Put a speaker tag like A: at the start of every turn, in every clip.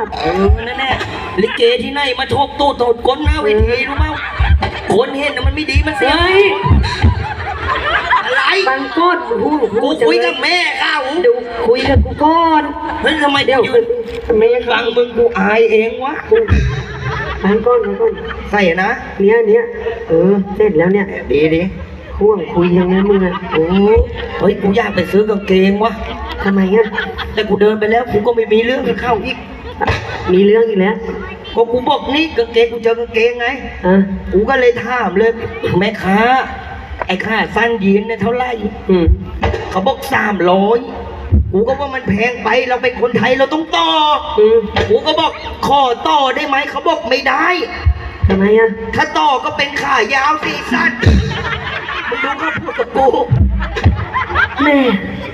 A: นั่นแน่ลิเกที่ไหนมาชกตู้โตดก้นหน้าเวทีรู้มั้ยคนเห็นนะมันไม่ดีมันเสียอะไร
B: บางก้อนกู
A: คุยกับแม่ข้าว
B: ดูคุยกับกูก่อน
A: เฮ้ยทำไมเดี๋ยว
B: ทำไม
A: ฟังมึงกูอายเองวะ
B: บางก้อน
A: ใส่นะ
B: เนี้ยเสร็จแล้วเนี่ย
A: ดี
B: ห่วงคุยยังไงมึงอ่ะ
A: เฮ้ยกูอยากไปซื้อกางเกงวะ
B: ทำไมอ่ะ
A: แต่กูเดินไปแล้วกูก็ไม่มีเรื่องกับเข้าอีก
B: มีเรื่องอีกแล้ว
A: ก็กูบอกนี่กางเกงกูเจอกางเกงไงกูก็เลยถามเลยแม่ค้าไอ้ค่าสั้นยีนเนี่ยเท่าไหร่เขาบอก300กูก็ว่ามันแพงไปเราเป็นคนไทยเราต้องต่อกูก็บอกขอต่อได้ไหมเขาบอกไม่ได้
B: ทำไมอ่ะ
A: ถ้าต่อก็เป็นขายาวสีสั้นมึงดูเขาพูดกับกู
B: แม่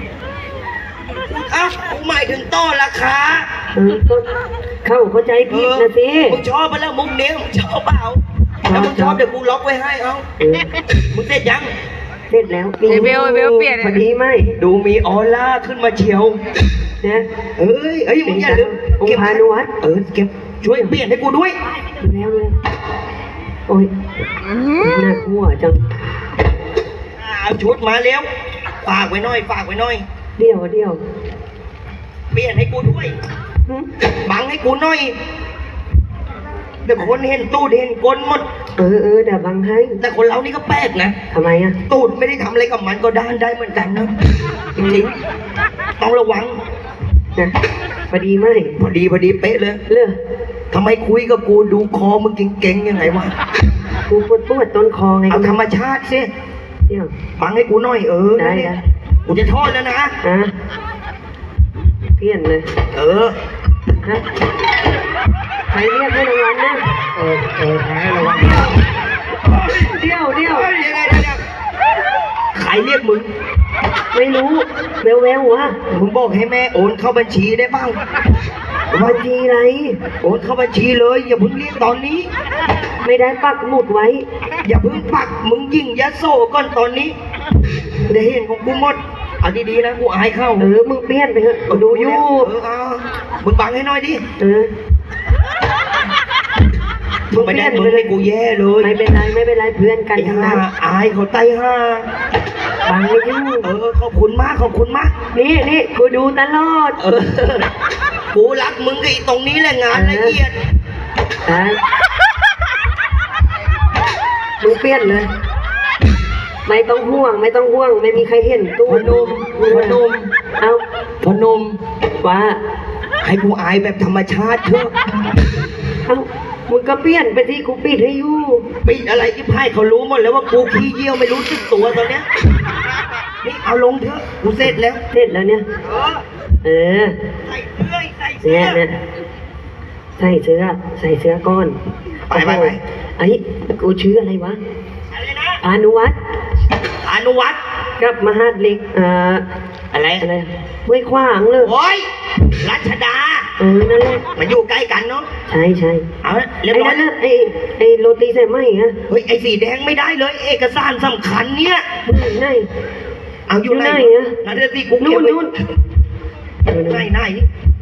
A: กูหมายถึงต่อราคา
B: เข้าใจผิดนะสิ
A: มึงชอบไปแล้วมุกเนี้ยมึงชอบเปล่าถ้ามึงชอบเดี๋ยวกูล็อกไว้ให้มึงเสร็จยัง
B: เสร็จแล้ว
C: เบลเปลี่ยน
B: พอดีไหม
A: ดูมีออร่าขึ้นมาเชียว
B: นะ
A: เอ้ยมึงอย่าลืม
B: องค์พานุวัฒน์
A: เก็บช่วยเปลี่ยนให้กูด้วย
B: แล้วเลยโอ้ยน่ากลัวจัง
A: เอาชุดมาเร็วฝากไว้หน่อย
B: เดี๋ยว
A: เปลี่ยนให้กูด้วยบังให้กูหน่อยเดี๋ยวคนเห็นตูดเห็นก้นหมด
B: เดี๋ยวบังให้
A: แต่คนเรานี่ก็แปลกนะ
B: ทำไมอ่ะ
A: ตูดไม่ได้ทำอะไรกับมันก็ด้านได้เหมือนกันนะจริงๆต้องระวัง
B: นะพอดีไหม
A: พอดีเป๊ะเลยทำไมคุยกับกูดูคอมึงเก่งๆยังไงวะ
B: กูปวดต้นคอไง
A: เอาธรรมชาติสิ
B: เดี๋ยว
A: บังให้กูหน่อย
B: ได้
A: กูจะทอดแล้วนะ
B: เพี้ยนเลยใครเรียกให้รางวัลนะ
A: ใครให้รางวัล
B: เดี๋ยว
A: ใครเรียกมึง
B: ไม่รู้แวววะ
A: มึงบอกให้แม่โอนเข้าบัญชีได้บ้าง
B: บัญชีอะไร
A: โอนเข้าบัญชีเลยอย่าเพิ่งเรียกตอนนี้
B: ไม่ได้ปักหมุดไว้
A: อย่าเพิ่งปักมึงยิงยะโซ่ก่อนตอนนี้ได้เห็นของกูหมดเอาดีๆนะกูอายเข้า
B: มึงเปลี่ยนไปเถอะดูอยู่
A: มึงบังให้น้อยดิมึงไม่ได้มึงให้กูแย่เลย
B: ไม่เป็นไรเพื่อนกัน
A: ทั้งนั้นอายเขาไต้ห้า
B: บังให้อยู่
A: ขอบคุณมาก
B: นี่กูดูตลอด
A: กูรักมึงกับตรงนี้แหละงานละเอียด
B: มึงเปลี่ยนเลยไม่ต้องห่วงไม่มีใครเห็นตู้
A: พนมพนม
B: ว่า
A: ให้กูอายแบบธรรมชาติเถอะ
B: มึงก็เปลี่ยนไปที่กูปิดให้อยู่
A: ปิดอะไรที่ไพ่เขารู้หมดแล้วว่ากูขี้เยี่ยวไม่รู้สึกตัวตอนเนี้ยนี่เอาลงเถอะกูเสร็จแล้ว
B: เนี่ยใส่เสื้อก้อน
A: ไป
B: ไอ้กูชื่ออะไรวะ
A: อนุวัฒน์
B: กับมหาดเล็ก
A: อะไร
B: ห้วยขวางเลย
A: โอ้ยรัชดา
B: นั่นแหละ
A: มันอยู่ใกล้กันเนาะ
B: ใช่
A: เอาเรียบร้อย
B: ไอ้โรตีใส่ไหมฮะ
A: เฮ้ยไอ้สีแดงไม่ได้เลยเอกสารสำคัญเนี่ย
B: ไหน
A: เอาอยู่ไหนนั่นเลยสิกู
B: นู่น
A: ไหนนั่นแหละ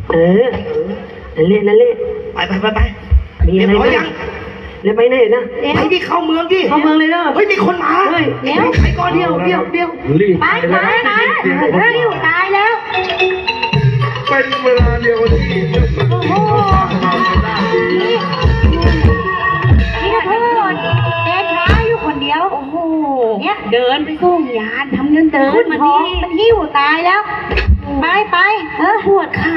A: ไป
B: มีอะไรยังแล้วไปไหนนะ
A: ไปที่เข้าเมืองดิ
B: เลยเนาะ
A: เฮ้ยมีคนมา
B: ไปก่อนเดียว
C: ไปอยู่ตายแล้ว
D: เป็นเวลาเดียวที่
C: โอ้โหนี่พูดเดินช้าอยู่คนเดียวโอ้โหเนี่ยเดินไปส่งยานทำเดินมันหิ้วตายแล้วไปปวดขา